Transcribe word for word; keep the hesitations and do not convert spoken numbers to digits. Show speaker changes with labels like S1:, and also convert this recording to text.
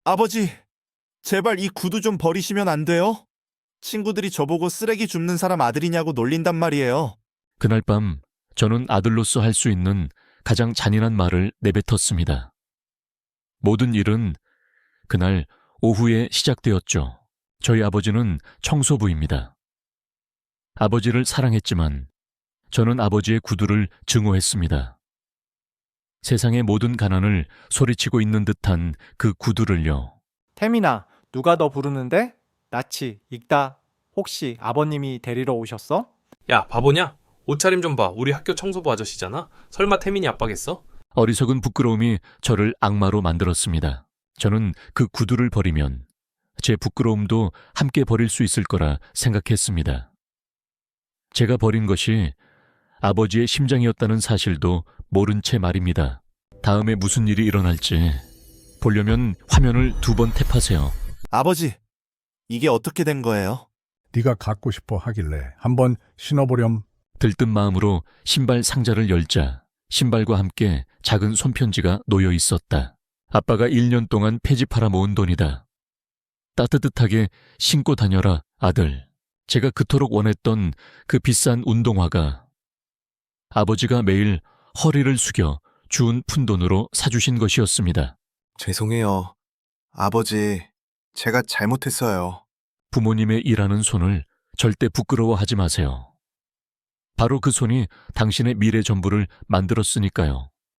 S1: 아버지, 제발 이 구두 좀 버리시면 안 돼요? 친구들이 저보고 쓰레기 줍는 사람 아들이냐고 놀린단 말이에요.
S2: 그날 밤 저는 아들로서 할 수 있는 가장 잔인한 말을 내뱉었습니다. 모든 일은 그날 오후에 시작되었죠. 저희 아버지는 청소부입니다. 아버지를 사랑했지만 저는 아버지의 구두를 증오했습니다. 세상의 모든 가난을 소리치고 있는 듯한 그 구두를요.
S3: 태민아, 누가 너 부르는데? 나치, 익다. 혹시 아버님이 데리러 오셨어?
S4: 야, 바보냐? 옷차림 좀 봐. 우리 학교 청소부 아저씨잖아. 설마 태민이 아빠겠어?
S2: 어리석은 부끄러움이 저를 악마로 만들었습니다. 저는 그 구두를 버리면 제 부끄러움도 함께 버릴 수 있을 거라 생각했습니다. 제가 버린 것이 아버지의 심장이었다는 사실도 모른 채 말입니다. 다음에 무슨 일이 일어날지 보려면 화면을 두 번 탭하세요.
S1: 아버지, 이게 어떻게 된 거예요?
S5: 네가 갖고 싶어 하길래 한번 신어보렴.
S2: 들뜬 마음으로 신발 상자를 열자 신발과 함께 작은 손편지가 놓여 있었다. 아빠가 일 년 동안 폐지팔아 모은 돈이다. 따뜻하게 신고 다녀라, 아들. 제가 그토록 원했던 그 비싼 운동화가 아버지가 매일 허리를 숙여 주운 푼돈으로 사주신 것이었습니다.
S6: 죄송해요. 아버지, 제가 잘못했어요.
S2: 부모님의 일하는 손을 절대 부끄러워하지 마세요. 바로 그 손이 당신의 미래 전부를 만들었으니까요.